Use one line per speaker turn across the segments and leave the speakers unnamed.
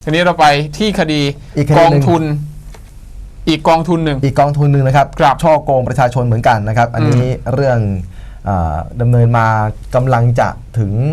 ทีนี้เราไปที่คดีกองทุนอีกกองทุนหนึ่ง
นะครับช่อโกงประชาชนเหมือนกันนะครับอันนี้เรื่องดำเนินมากำลังจะถึง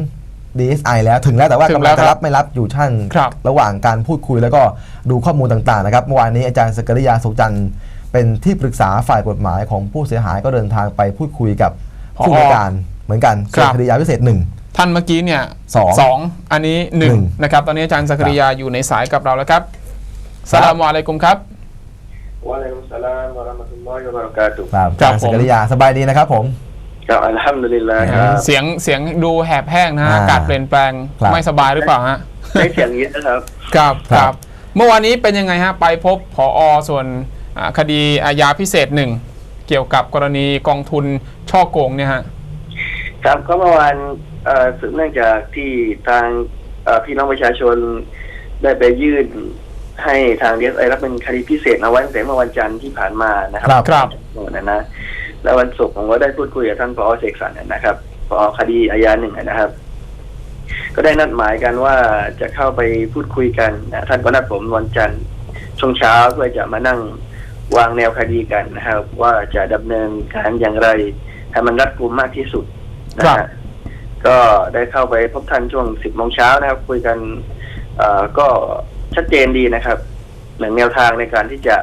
DSI แล้วถึงแล้วแต่ว่ากำลังจะรับไม่รับอยู่ชั้นระหว่างการพูดคุยแล้วก็ดูข้อมูลต่างๆนะครับเมื่อวานนี้อาจารย์สกริยาสุขจันทร์เป็นที่ปรึกษาฝ่ายกฎหมายของผู้เสียหายก็เดินทางไปพูดคุยกับผู้บริการเหมือนกันส่วนคดียาพิเศษ1
ท่านเมื่อกี้เนี่ย2อันนี้1นะครับตอนนี้อาจารย์สกริยาอยู่ในสายกับเราแล้วครับสลามอะลัยกุมครับ
วะอะลัยกุมสลามวะเราะห์มะตุลลอฮิวะบะเราะกาตุฮ์
ครับอาจารย์สกริยาสบายดีนะครับผม
ครับอัลฮัมดุลิลลาห์ครับ
เสียงดูแหบแห้งนะฮะอากาศเปลี่ยนแปลงไม่สบายหรือเปล่าฮะ
ได้เสียงเยอะนะครับ
ครับเมื่อวานนี้เป็นยังไงฮะไปพบผอ.ส่วนคดีอาญาพิเศษ1เกี่ยวกับกรณีกองทุนช่อโกงเนี่ยฮะ
ครับก็เมื่อวานสืบเนื่องจากที่ทางพี่น้องประชาชนได้ไปยื่นให้ทาง DSI รับเป็นคดีพิเศษเอาไว้ตั้งแต่เมื่อวันจันทร์ที่ผ่านมานะครับนะแล้ววันศุกร์ผมก็ได้พูดคุยกับท่านผอ.เสกสรรนะครับผอ.คดีอาญา1นะครับก็ได้นัดหมายกันว่าจะเข้าไปพูดคุยกันนะท่านก็นัดผมวันจันทร์ช่วงเช้าเพื่อจะมานั่งวางแนวคดีกันนะครับว่าจะดำเนินการอย่างไรให้มันรัดกุมมากที่สุดนะฮะก็ได้เข้าไปพบท่านช่วง10 โมงเช้านะครับคุยกันก็ชัดเจนดีนะครับหนึ่งแนวทางในการที่จะ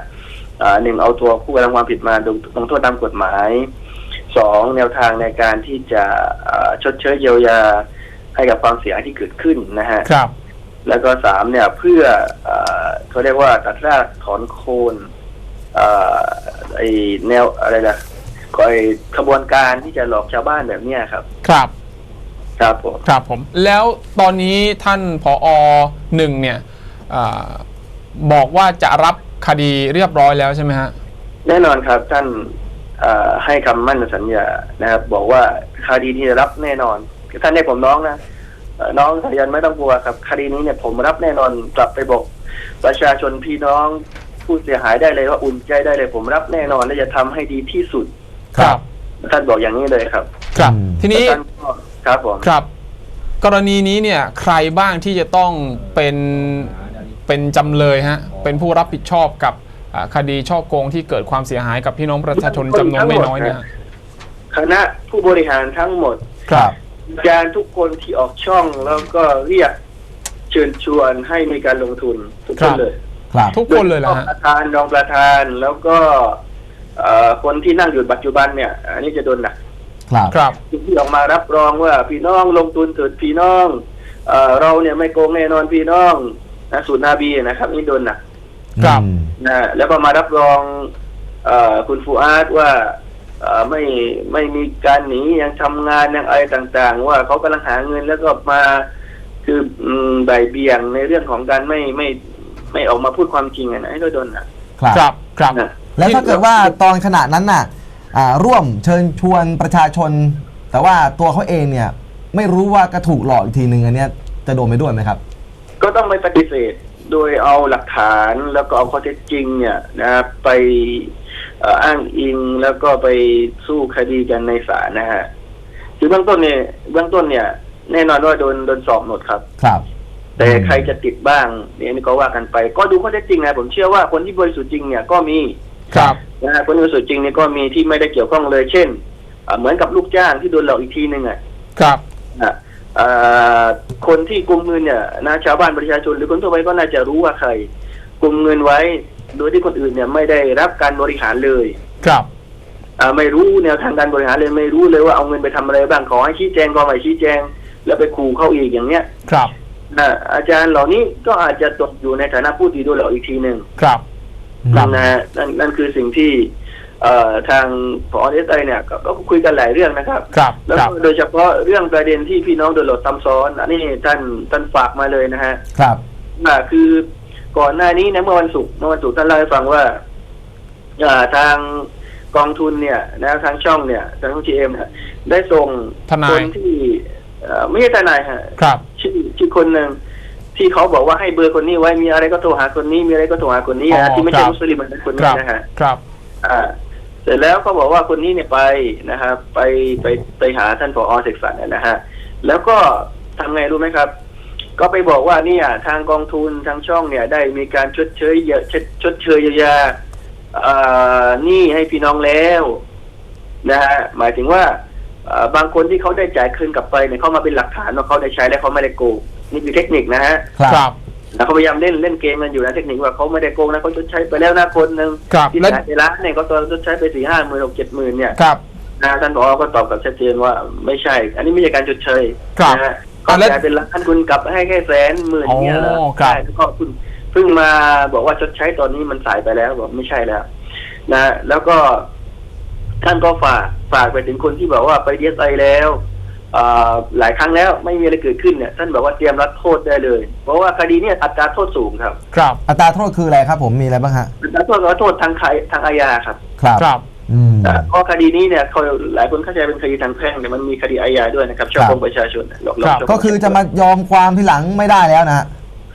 1เอาตัวผู้กระทำความผิดมาลงโทษตามกฎหมาย2แนวทางในการที่จะชดเชยเยียวยาให้กับความเสียหายที่เกิดขึ้นนะฮะแล้วก็3เนี่ยเพื่อเขาเรียกว่าตัดรากถอนโคนไอแนวอะไรล่ะก็ไอขบวนการที่จะหลอกชาวบ้านแบบนี้ครับครับ
ผมแล้วตอนนี้ท่านผอ.1เนี่ยบอกว่าจะรับคดีเรียบร้อยแล้วใช่ไหมฮะ
แน่นอนครับท่านให้คำมั่นสัญญานะครับบอกว่าคดีที่จะรับแน่นอนท่านให้ผมน้องนะน้องสายันไม่ต้องกลัวครับคดีนี้เนี่ยผมรับแน่นอนกลับไปบอกประชาชนพี่น้องผู้เสียหายได้เลยว่าอุ่นใจได้เลยผมรับแน่นอนและจะทำให้ดีที่สุด
ครับ
ท่านบอกอย่างนี้เลยครับ
ทีนี้
ครับผม
ครับกรณีนี้เนี่ยใครบ้างที่จะต้องเป็นจำเลยฮะเป็นผู้รับผิดชอบกับคดีช่อโกงที่เกิดความเสียหายกับพี่น้องประชาชนจำนวนไม่น้อยเนี่ย
คณะผู้บริหารทั้งหมดอาจารย์ทุกคนที่ออกช่องแล้วก็เรียกเชิญชวนให้มีการลงทุนทุกคนเลย
ทุกคนเลยเหรอฮะ
ประธานรองประธานแล้วก็คนที่นั่งอยู่ปัจจุบันเนี่ยอันนี้จะโดนหนัก
ครับ
ที่ออกมารับรองว่าพี่น้องลงทุนเถิดพี่น้องเราเนี่ยไม่โกงแน่นอนพี่น้องนะสูตรนาบีนะครับนี่โดนหนักนะแล้วก็มารับรองคุณฟูอาดว่าไม่มีการหนียังทำงานยังอะไรต่างๆว่าเขากำลังหาเงินแล้วก็มาคือบ่ายเบี่ยงในเรื่องของการไม่ออกมาพูดความจริงนะให้โดน
ครับ
แล้วถ้าเกิดว่าตอนขณะนั้นน่ะร่วมเชิญชวนประชาชนแต่ว่าตัวเขาเองเนี่ยไม่รู้ว่าก็ถูกหลอกอีกทีหนึ่งอันนี้จะโดนไปด้วยไหมครับ
ก็ต้องไปปฏิเสธโดยเอาหลักฐานแล้วก็เอาข้อเท็จจริงเนี่ยนะไปอ้างอิงแล้วก็ไปสู้คดีกันในศาลนะฮะคือเบื้องต้นเนี่ยแน่นอนว่าโดนสอบหมดครับแต่ใครจะติดบ้างเนี่ยนี่ก็ว่ากันไปก็ดูข้อเท็จจริงนะผมเชื่อว่าคนที่บริสุทธิ์จริงเนี่ยก็มีนะฮะคนบริสุทธิ์จริงเนี่ยก็มีที่ไม่ได้เกี่ยวข้องเลยเช่นเหมือนกับลูกจ้างที่โดนหลอกอีกทีนึงคนที่กุมเงินเนี่ยนะชาวบ้านประชาชนหรือคนทั่วไปก็น่าจะรู้ว่าใครกุมเงินไว้โดยที่คนอื่นเนี่ยไม่ได้รับการบริหารเลยไม่รู้แนวทางการบริหารเลยไม่รู้เลยว่าเอาเงินไปทำอะไรบ้างขอให้ชี้แจงก็ไม่ชี้แจงแล้วไปขู่เข้าอีกอย่างเนี้ยอาจารย์เหล่านี้ก็อาจจะตกอยู่ในฐานะผู้ที่โดนหลอกอีกทีหนึ่งนั่นคือสิ่งที่ทางผอ. DSI เนี่ยก็คุยกันหลายเรื่องนะครับแล้วโดยเฉพาะเรื่องประเด็นที่พี่น้องโดนหลอกซ้ำซ้อนอันนี้ท่านฝากมาเลยนะฮะคือก่อนหน้านี้นะเมื่อวันศุกร์ท่านเล่าให้ฟังว่าทางกองทุนเนี่ยนะทางช่องเนี่ยทางGMเนี่ยได้ส่งคนที่ไม่ใช่ทนายฮะชื่อคนหนึ่งที่เขาบอกว่าให้เบอร์คนนี้ไว้มีอะไรก็โทรหาคนนี้มีอะไรก็โทรหาคนนี้นะที่ไม่ใช่มุสลิมเป็นคนนี้นะฮะเสร็จแล้วเขาบอกว่าคนนี้เนี่ยไปนะครับไปหาท่านผอ.เสกสรรนะฮะแล้วก็ทำไงรู้ไหมครับก็ไปบอกว่าเนี่ยทางกองทุนทางช่องเนี่ยได้มีการชดเชยเยียวยาหนี้ให้พี่น้องแล้วนะฮะหมายถึงว่าบางคนที่เขาได้จ่ายคืนกลับไปเนี่ยเขามาเป็นหลักฐานว่าเขาได้ใช้และเขาไม่ได้โกงนี่คือเทคนิคนะฮะ
ครับ
แล้วเขาพยายามเล่นเกมกันอยู่นะเทคนิคว่าเขาไม่ได้โกงนะเขาชดใช้ไปแล้วนะคนหนึ่งที่จ่ายไปล้านเนี่ยเขาตอนชดใช้ไป4-5 หมื่น 6-7 หมื่นเนี่ยนะท่านผอ.ก็ตอบกับชัดเจนว่าไม่ใช่อันนี้ไม่ใช่การชดเชยนะฮะก็จ่ายเป็นล้านคุณกลับให้แค่100,000เนี่ยเหรอใช่แล้วก็คุณเพิ่งมาบอกว่าชดใช้ตอนนี้มันสายไปแล้วบอกไม่ใช่แล้วนะแล้วก็ท่านก็ฝากไปถึงคนที่บอกว่าไปDSIแล้วหลายครั้งแล้วไม่มีอะไรเกิดขึ้นเนี่ยท่านบอกว่าเตรียมรับโทษได้เลยเพราะว่าคดีเนี่ยอัตราโทษสูงครับ
อัตราโทษคืออะไรครับผมมีอะไรบ้างฮะ
อัตราโทษก็โทษทางอาญาครับเพราะคดีนี้เนี่ยหลายคนเข้าใจเป็นคดีทางแพ่งแต่มันมีคดีอาญาด้วยนะครับช่อโกงประชาชน
ก็คือจะมายอมความทีหลังไม่ได้แล้วนะ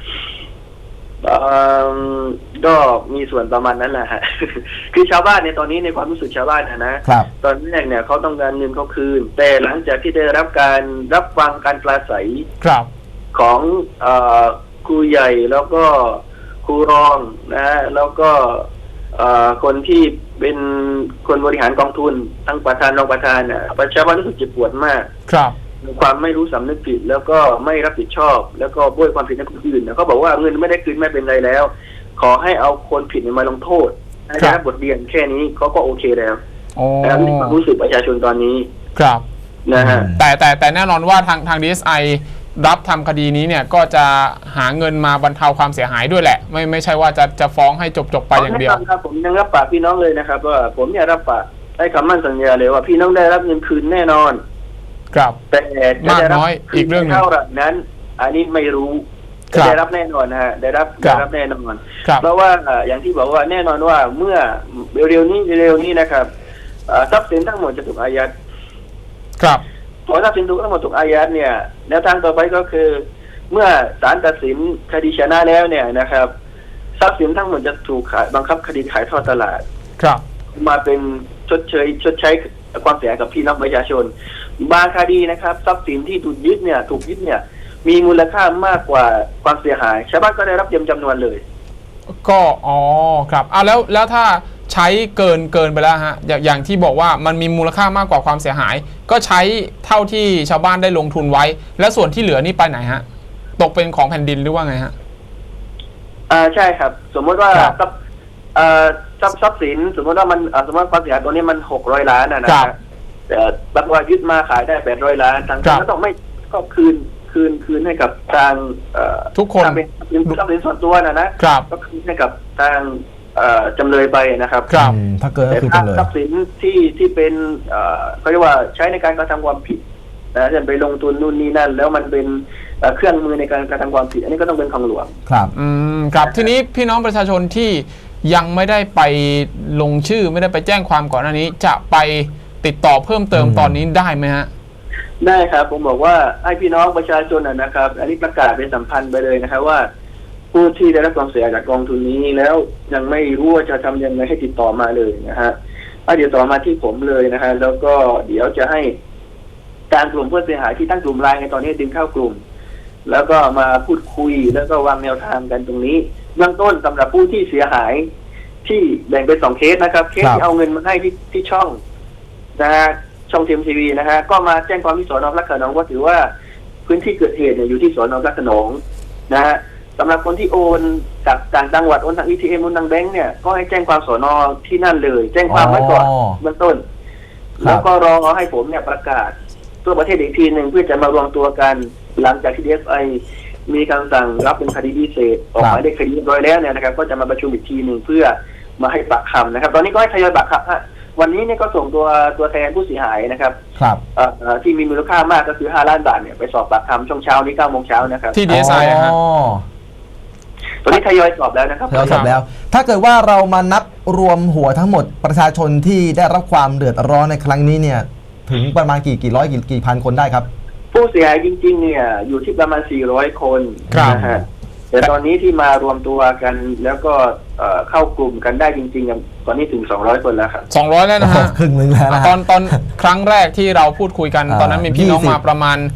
ก็มีส่วนประมาณนั้นแหละฮะ คือชาวบ้านในตอนนี้ในความรู้สึกชาวบ้านนะตอนแรกเนี่ยเขาต้องการเงินเขาคืนแต่หลังจากที่ได้รับฟังการปราศัยของครูใหญ่แล้วก็ครูรองนะแล้วก็คนที่เป็นคนบริหารกองทุนทั้งประธานรองประธานเนี่ยชาวบ้านรู้สึกเจ็บปวดมากความไม่รู้สำนึกผิดแล้วก็ไม่รับผิดชอบแล้วก็โบยความผิดให้คนอื่นเขาบอกว่าเงินไม่ได้คืนไม่เป็นไรแล้วขอให้เอาคนผิดมาลงโทษให้ได้รับบทเรียนแค่นี้เขาก็โอเคแล้วแล้วนี่ความรู้สึกประชาชนตอนนี้
นะฮะแต่แน่นอนว่าทาง DSI รับทำคดีนี้เนี่ยก็จะหาเงินมาบรรเทาความเสียหายด้วยแหละไม่ใช่ว่าจะฟ้องให้จบไปอย่างเดียว
ครับผมยังรับปากพี่น้องเลยนะครับว่าผมเนี่ยรับปากได้คำมั่นสัญญาเลยว่าพี่น้องได้รับเงินคืนแน่นอนแต่
มากน้อยอีกเรื่องนึง
เท่านั้นอันนี้ไม่รู้ได้รับแน่นอนนะฮะได้รับแน่นอนเพราะว่าอย่างที่บอกว่าแน่นอนว่าเมื่อเร็วนี้นะครับทรัพย์สินทั้งหมดจะถูกอายัดพอทรัพย์สินทั้งหมดถูกอายัดเนี่ยแนวทางต่อไปก็คือเมื่อศาลตัดสินคดีชนะแล้วเนี่ยนะครับทรัพย์สินทั้งหมดจะถูกบังคับคดีขายทอดตลาดมาเป็นชดใช้ความเสียหายกับพี่น้องประชาชนบางคดีนะครับทรัพย์สินที่ถูกยึดเนี่ยมีมูลค่ามากกว่าความเสียหายชาวบ้านก็ได้รับเต็มจำนวนเลย
ก็ครับแล้วถ้าใช้เกินไปแล้วฮะอย่างที่บอกว่ามันมีมูลค่ามากกว่าความเสียหายก็ใช้เท่าที่ชาวบ้านได้ลงทุนไว้แล้วส่วนที่เหลือนี่ไปไหนฮะตกเป็นของแผ่นดินหรือว่าไงฮะ
ใช่ครับสมมติว่าทรัพย์สินสมมติว่ามันสมมติความเสียหายตัวนี้มัน600 ล้านนะครับแต่บัตรว่ายึดมาขายได้800 ล้านทางก็ต้องไม่ก็คืนให้กับทาง
ทุกคน
เป็นทรัพย์สินส่วนตัวนะก็คืนให้กับทางจำเลยไปนะครับ
ถ้าเกิดก็คือจำเลย
ทรัพย์สินที่เป็นเขาเรียกว่าใช้ในการกระทำความผิดนะจะไปลงทุนนู่นนี่นั่นแล้วมันเป็นเครื่องมือในการกระทำความผิดอันนี้ก็ต้องเป็นของหลวง
ครับทีนี้พี่น้องประชาชนที่ยังไม่ได้ไปลงชื่อไม่ได้ไปแจ้งความก่อนหน้านี้จะไปติดต่อเพิ่มเติมตอนนี้ได้ไหมฮะ
ได้ครับผมบอกว่าให้พี่น้องประชาชนนะครับอันนี้ประกาศเป็นสัมพันธ์ไปเลยนะครับว่าผู้ที่ได้รับความเสียหายจากกองทุนนี้แล้วยังไม่รู้ว่าจะทำยังไงให้ติดต่อมาเลยนะฮะเดี๋ยวต่อมาที่ผมเลยนะฮะแล้วก็เดี๋ยวจะให้การกลุ่มผู้เสียหายที่ตั้งกลุ่มไลน์ในตอนนี้ดึงเข้ากลุ่มแล้วก็มาพูดคุยแล้วก็วางแนวทางกันตรงนี้เบื้องต้นสำหรับผู้ที่เสียหายที่แบ่งเป็น2 เคสนะครับเคสที่เอาเงินมาให้ที่ช่องนะฮะช่องทีวีนะฮะก็มาแจ้งความที่สน.พระโขนงก็ถือว่าพื้นที่เกิดเหตุเนี่ยอยู่ที่สน.พระโขนงนะฮะสำหรับคนที่โอนจากต่างจังหวัดโอนทาง ATM โอนทางแบงก์เนี่ยก็ให้แจ้งความสน.ที่นั่นเลยแจ้งความไว้ก่อนเบื้องต้นแล้วก็รอให้ผมเนี่ยประกาศทั่วประเทศอีกทีหนึ่งเพื่อจะมารวมตัวกันหลังจากที่ DSI มีคำสั่งรับเป็นคดีพิเศษออกหมายเลขคดีเรียบร้อยแล้วเนี่ยนะครับก็จะมาประชุมอีกทีหนึ่งเพื่อมาให้ปากคำนะครับตอนนี้ก็ให้ทยอยปากคำวันนี้เนี่ยก็ส่งตัวแทนผู้เสียหายนะครับที่มีมูลค่ามากก็คือ5 ล้านบาทเนี่ยไปสอบปากคำช่วงเช้านี้9 โมงเช้านะครับ
ที่ DSI ฮะ
ตอนนี้ทยอยสอบแล้วนะครับ
ทยอยสอบแล้วถ้าเกิดว่าเรามานับรวมหัวทั้งหมดประชาชนที่ได้รับความเดือดร้อนในครั้งนี้เนี่ยถึงประมาณกี่ร้อยกี่พันคนได้ครับ
ผู้เสียหายจริงๆเนี่ยอยู่ที่ประมาณ400 คนนะฮะแต่ตอนนี้ที่มารวมตัวกันแล้วก็เข้ากลุ่มกันได้จริงๆตอนนี้ถึง200 คนแล้วครับ
200แล้วนะฮะ
ครึ่งนึงแล้ว
ตอนครั้งแรกที่เราพูดคุยกันตอนนั้นมีพี่น้องมาประมาณ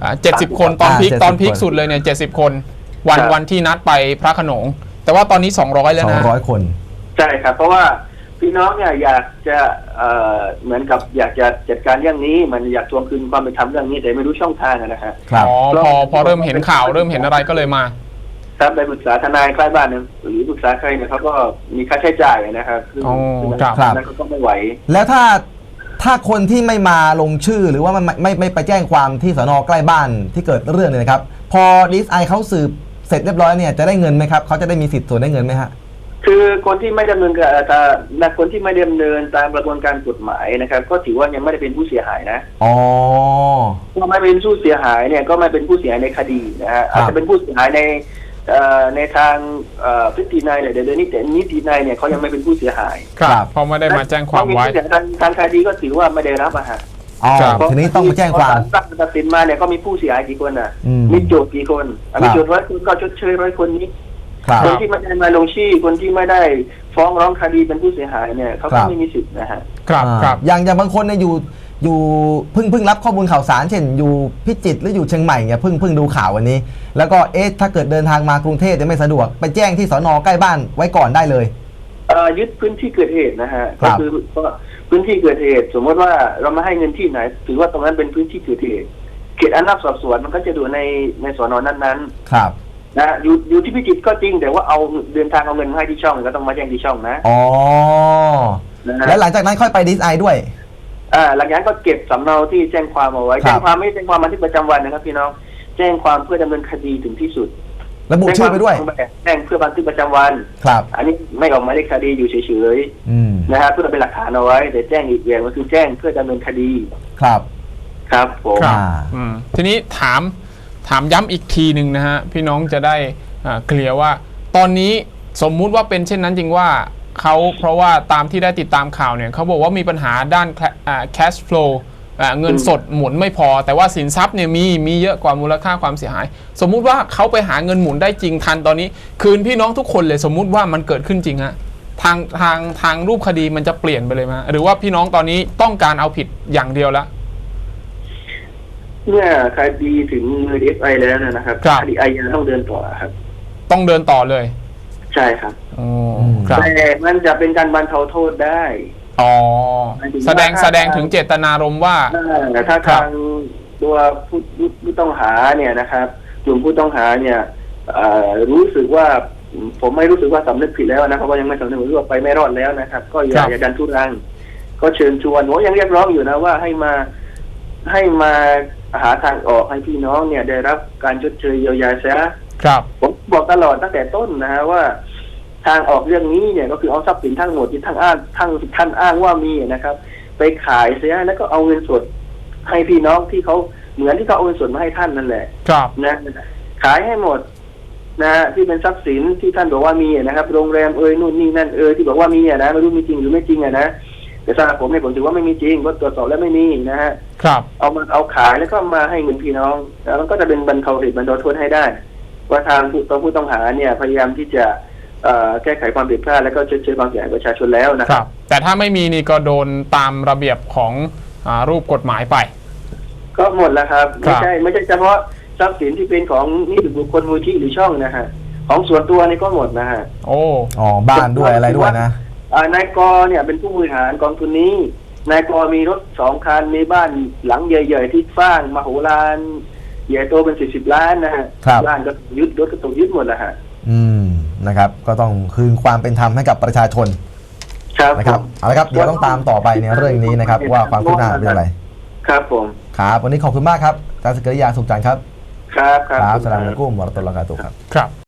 70 คนตอนพีค
70
ตอนพีคสุดเลยเนี่ย70 คนวันที่นัดไปพระโขนงแต่ว่าตอนนี้200แล้วนะ
200 คน
ใช่ครับเพราะว่าพี่น้องเนี่ยอยากจะเหมือนกับอยากจะจัดการเรื่องนี้มันอยากทวงคืนความเป็นธรรมเรื่องนี้แต่ไม่รู้ช่องทางนะฮะ
ครับ
พอเริ่มเห็นข่าวเริ่มเห็นอะไรก็เลยมา
ครับไปปรึกษาทนายใกล้บ้านนึงหรือปรึกษาใครเนี่ยเขาก็มีค่าใช้จ่ายนะครับคือนั้นก็ไม่ไหว
แล้วถ้าคนที่ไม่มาลงชื่อหรือว่าไม่ไปแจ้งความที่สน.ใกล้บ้านที่เกิดเรื่องเนี่ยนะครับพอ DSI เขาสืบเสร็จเรียบร้อยเนี่ยจะได้เงินไหมครับเขาจะได้มีสิทธิ์ส่วนได้เงินไหมฮะ
คือคนที่ไม่ดำเนินคนที่ไม่ดำเนินตามกระบวนการกฎหมายนะครับก็ถือว่ายังไม่ได้เป็นผู้เสียหายนะ
อ๋อ
ถ้าไม่เป็นผู้เสียหายเนี่ยก็ไม่เป็นผู้เสียหายในคดีนะฮะอาจจะเป็นผู้เสียหายในทางพฤตินัยเนี่ยเดี๋ยวนี้แต่นิตินัยเนี่ยเขายังไม่เป็นผู้เสียหาย
ครับเพราะไม่ได้มาแจ้งความไว้
ทางคดีก็ถือว่าไม่ได้รับอะฮะ
ทีนี้ต้องมาแจ้งความ
ตัดสินมาเนี่ยก็มีผู้เสียหายกี่คนอ่ะมีโจทย์กี่คนมีโจทย์100 คนก็ชดเชย100 คนนี้คนที่ไม่ได้มาลงชื่อคนที่ไม่ได้ฟ้องร้องคดีเป็นผู้เสียหายเนี่ยเขาก็ไม่มีสิทธิ์นะฮะ
ครับอย่างบางคนเนี่ยอยู่เพิ่งรับข้อมูลข่าวสารเช่นอยู่พิจิตรหรืออยู่เชียงใหม่เนี่ยเพิ่งดูข่าววันนี้แล้วก็ถ้าเกิดเดินทางมากรุงเทพจะไม่สะดวกไปแจ้งที่สน.ใกล้บ้านไว้ก่อนได้เลย
ยึดพื้นที่เกิดเหตุนะฮะก็คือพื้นที่เกิดเหตุสมมติว่าเรามาให้เงินที่ไหนถือว่าตรงนั้นเป็นพื้นที่เกิดเหตุเขตอำนาจสอบสวนมันก็จะดูในสน.นั้น
ๆครับ
นะอยู่ที่พิจิตรก็จริงแต่ว่าเอาเดินทางเอาเงินมาให้ที่ช่องก็ต้องมาแจ้งที่ช่องนะ
อ๋อแล้วหลังจากนั้นค่อยไปDSIด้วย
หลังจากนั้นก็เก็บสำเนาที่แจ้งความเอาไว้แจ้งความไม่แจ้งความบันทึกประจำวันนะครับพี่น้องแจ้งความเพื่อดำเนินคดีถึงที่สุด
ระบุชื่อไปด้วย
แจ้งเพื่อบันทึกประจำวัน
ครับ
อันนี้ไม่ออกหมายเลขคดีอยู่เฉยๆนะฮะเพื่อเป็นหลักฐานเอาไว้แต่แจ้งอีกอย่างก็คือแจ้งเพื่อดำเนินคดีครับผม
ทีนี้ถามย้ำอีกทีหนึ่งนะฮะพี่น้องจะได้เคลียร์ว่าตอนนี้สมมุติว่าเป็นเช่นนั้นจริงว่าเพราะว่าตามที่ได้ติดตามข่าวเนี่ยเขาบอกว่ามีปัญหาด้าน cash flow เงินสดหมุนไม่พอแต่ว่าสินทรัพย์เนี่ยมีเยอะกว่ามูลค่าความเสียหายสมมุติว่าเขาไปหาเงินหมุนได้จริงทันตอนนี้คืนพี่น้องทุกคนเลยสมมุติว่ามันเกิดขึ้นจริงฮะทางรูปคดีมันจะเปลี่ยนไปเลยไหมหรือว่าพี่น้องตอนนี้ต้องการเอาผิดอย่างเดียวแล้ว
เมื่อคดีถึงมือ DSI แล้วนะครับคดีอาญาต้องเดินต่อครับ
ต้องเดินต่อเลย
ใช่ครับแต่มันจะเป็นการบรรเทาโทษได้
แสดงถึงเจตนารมณ์ว่า
ถ้าทางตัวผู้ต้องหาเนี่ยนะครับกลุ่มผู้ต้องหาเนี่ยรู้สึกว่าผมไม่รู้สึกว่าสำนึกผิดแล้วนะเพราะว่ายังไม่สำนึกรู้ว่าไปไม่รอดแล้วนะครับก็อย่าดันทุรังก็เชิญชวนผมยังเรียกร้องอยู่นะว่าให้มาหาทางออกให้พี่น้องเนี่ยได้รับการชดเชยเยียวยาเสียผมบอกตลอดตั้งแต่ต้นนะฮะว่าทางออกเรื่องนี้เนี่ยก็คือเอาทรัพย์สินทั้งหมดที่ท่านอ้างว่ามีนะครับไปขายเสียแล้วก็เอาเงินสดให้พี่น้องที่เขาเหมือนที่เขาเอาเงินสดมาให้ท่านนั่นแหละนะขายให้หมดนะที่เป็นทรัพย์สินที่ท่านบอกว่ามีนะครับโรงแรมนู่นนี่นั่นที่บอกว่ามีนะไม่รู้มีจริงหรือไม่จริงนะแต่สำหรับผมเนี่ยผมถือว่าไม่มีจริงเพราะตรวจสอบแล้วไม่มีนะฮะเอาขายแล้วก็มาให้เงินพี่น้องแล้วมันก็จะเป็นบรรเทาเหตุบรรเทาโทษให้ได้ว่าทางผู้ต้องหาเนี่ยพยายามที่จะแก้ไขความผิดพลาดแล้วก็ชดเชยความเสียหายประชาชนแล้วนะครับ
แต่ถ้าไม่มีนี่ก็โดนตามระเบียบของรูปกฎหมายไป
ก็หมดแล้วครับไม่ใช่เฉพาะทรัพย์สินที่เป็นของนิติบุคคลมูลที่หรือช่องนะฮะของส่วนตัวนี่ก็หมดนะฮะ
บ้านด้วยอะไรด้วยนะ
นายกเนี่ยเป็นผู้บริหารกองทุนนี้นายกมีรถ2 คันมีบ้านหลังใหญ่ๆที่สร้างมโหฬารใหญ่โตเป็น10 ล้านนะฮะบ้านก็ยึดรถก็ถูกยึดหมดแล้วฮะ
นะครับก็ต้องคืนความเป็นธรรมให้กับประชาชนนะครับเอาละครับเดี๋ยวต้องตามต่อไปในเรื่องนี้นะครับว่าความคืบหน้าเป็นอะไร
ครับผม
ครับวันนี้ขอบคุณมากครับอาจารย์สกริยาสุขจันทร์ครับ
ครับ
สลามอะลัยกุมวะเราะตุลลอฮิวะบะเราะกาตุฮ์ครับ